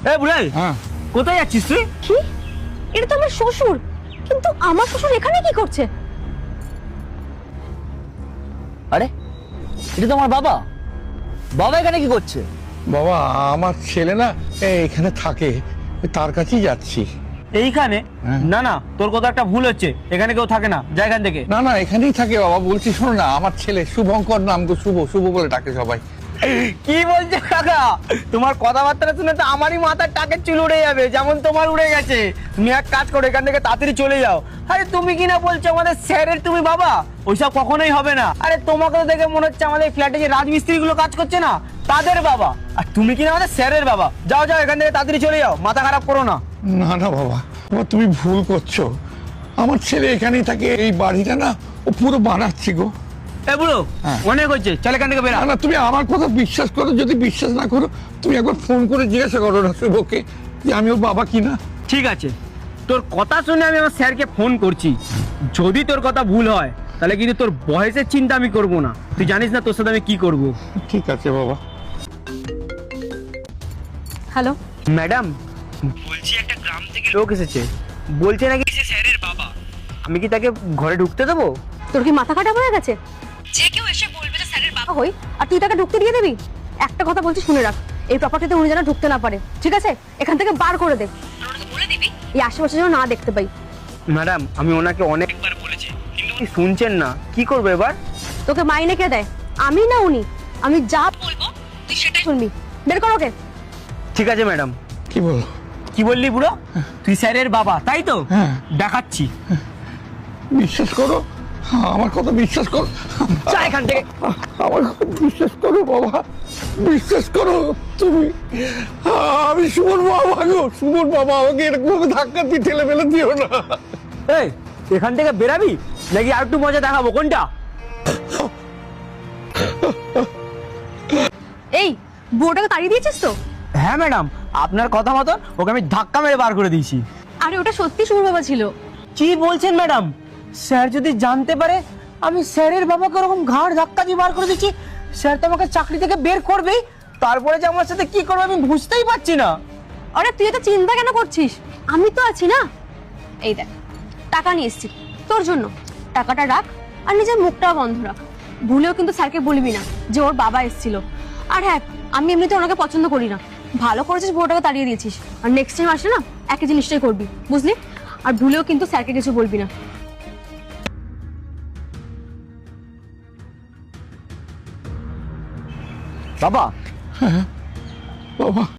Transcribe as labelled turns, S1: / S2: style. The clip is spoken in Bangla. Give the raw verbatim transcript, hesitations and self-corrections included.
S1: এই বুড়াই,
S2: হ্যাঁ
S1: কোথায় যাচ্ছিস তুই?
S3: কি? এটা তো আমার শ্বশুর, কিন্তু আমার শ্বশুর এখানে কি করছে?
S1: আরে এটা তো আমার বাবা। বাবা এখানে কি করছে?
S2: বাবা, আমার ছেলে না এখানে থাকে, তার কাছেই যাচ্ছি।
S1: এইখানে?
S2: হ্যাঁ।
S1: না না, তোর কথা একটা ভুল হচ্ছে, এখানে কেউ থাকে না, যা এখান থেকে।
S2: না না, এখানেই থাকে বাবা। বলছি শোনো না, আমার ছেলে শুভঙ্কর, নাম তো শুভ, শুভ বলে ডাকে সবাই।
S1: কি বলছে কাকা? তোমার কথাবার্তা শুনে তো আমারই মাথার টাকের চুল উড়ে যাবে, যেমন তোমার উড়ে গেছে। তুমি এক কাজ করো, এখান থেকে তাড়াতাড়ি চলে যাও। আরে তুমি কি না বলছো আমাদের স্যারের তুমি বাবা? ওইসব কখনোই হবে না। আরে তোমাকে তো দেখে মনে হচ্ছে আমাদের ফ্ল্যাটে যে রাজমিস্ত্রি গুলো কাজ করছে না, তাদের বাবা। আর তুমি কি না আমাদের স্যারের বাবা? যাও যাও, এখান থেকে তাড়াতাড়ি চলে যাও, মাথা খারাপ করো না।
S2: না না বাবা, বাবা তুমি ভুল করছো। আমার ছেলে এখানেই থাকে, এই বাড়িটা না ও পুরো বানাচ্ছি গো।
S1: এ বুড়ো,
S2: হ্যাঁ।
S1: অনেক হচ্ছে, চল এখান থেকে বেরা।
S2: না না, তুমি আমার কথা বিশ্বাস করো। যদি বিশ্বাস না করো, তুমি একবার ফোন করে জিজ্ঞাসা করো না শুভকে যে আমি ওর বাবা কিনা।
S1: ঠিক আছে, তোর কথা শুনে আমি আমার স্যারকে ফোন করছি। যদি তোর কথা ভুল হয়, তাহলে কিন্তু তোর বয়সের চিন্তা আমি করব না। তুই জানিস না তোর সাথে আমি কি করব।
S2: ঠিক আছে বাবা।
S3: হ্যালো,
S1: ম্যাডাম বলছি, একটা গ্রাম থেকে লোক এসেছে, বলছে নাকি সে স্যারের বাবা। আমি কি তাকে ঘরে ঢুকতে দেবো?
S3: তোর কি মাথা খারাপ হয়ে গেছে? যে কেউ এসে বলবে যে স্যারের বাবা হই, আর তুই তাকে ঢুকতে দিয়ে দিবি? একটা কথা বলছি, শুনে রাখ, এই প্রপার্টিতে উনি যেন ঢুকতে না পারে, ঠিক আছে? এখান থেকে বার করে দে, বলে দিবি এই আশেপাশে যেন না দেখতে পাই।
S1: ম্যাডাম আমি ওনাকে অনেকবার বলেছি, কিন্তু উনি শুনছেন না। কি করবো এবার?
S3: তোকে মাইনে কে দেয়? আমি না উনি? আমি যা বলবো তুই সেটাই শুনবি। বের কর ওকে।
S1: ঠিক আছে ম্যাডাম।
S2: কি বলো?
S1: কি বললি বুড়ো? তুই স্যারের বাবা তাই তো?
S2: হ্যাঁ।
S1: দেখাচ্ছি।
S2: বিশ্বাস করো, আমার কথা বিশ্বাস করো।
S1: যা এখান থেকে।
S2: আমার কথা বিশ্বাস করো বাবা, বিশ্বাস করো তুমি। আমি সুমন বাবা গো, সুমন বাবা। আমাকে এরকম ভাবে ধাক্কা দিয়ে ঠেলে ফেলে দিও না।
S1: এই এখান থেকে বেরাবি নাকি আর একটু মজা দেখাবো? কোনটা?
S3: এই বুড়োটাকে তাড়িয়ে দিয়েছিস তো?
S1: হ্যাঁ ম্যাডাম, আপনার কথা মতন ওকে আমি ধাক্কা মেরে বার করে দিয়েছি।
S3: আরে ওটা সত্যি সুর বাবা ছিল।
S1: কি বলছেন ম্যাডাম? স্যার যদি জানতে পারে আমি স্যারের বাবাকে ওরকম ঘাড় ধাক্কা দিয়ে বার করে দিচ্ছি, স্যার তো আমাকে চাকরি থেকে বের করবেই। তারপরে যে আমার সাথে কি করবে আমি বুঝতেই পারছি না।
S3: আরে তুই এত চিন্তা কেন করছিস? আমি তো আছি না। এই দেখ, টাকা নিয়ে এসেছি তোর জন্য। টাকাটা রাখ আর নিজের মুখটাও বন্ধ রাখ। ভুলেও কিন্তু স্যারকে বলবি না যে ওর বাবা এসেছিল। আর হ্যাঁ, আমি এমনিতে ওনাকে পছন্দ করি না। ভালো করেছিস বউটাকে তাড়িয়ে দিয়েছিস। আর নেক্সট টাইম আসলে না একই জিনিসটাই করবি, বুঝলি? আর ভুলেও কিন্তু স্যারকে কিছু বলবি না।
S1: বাবা,
S2: বাবা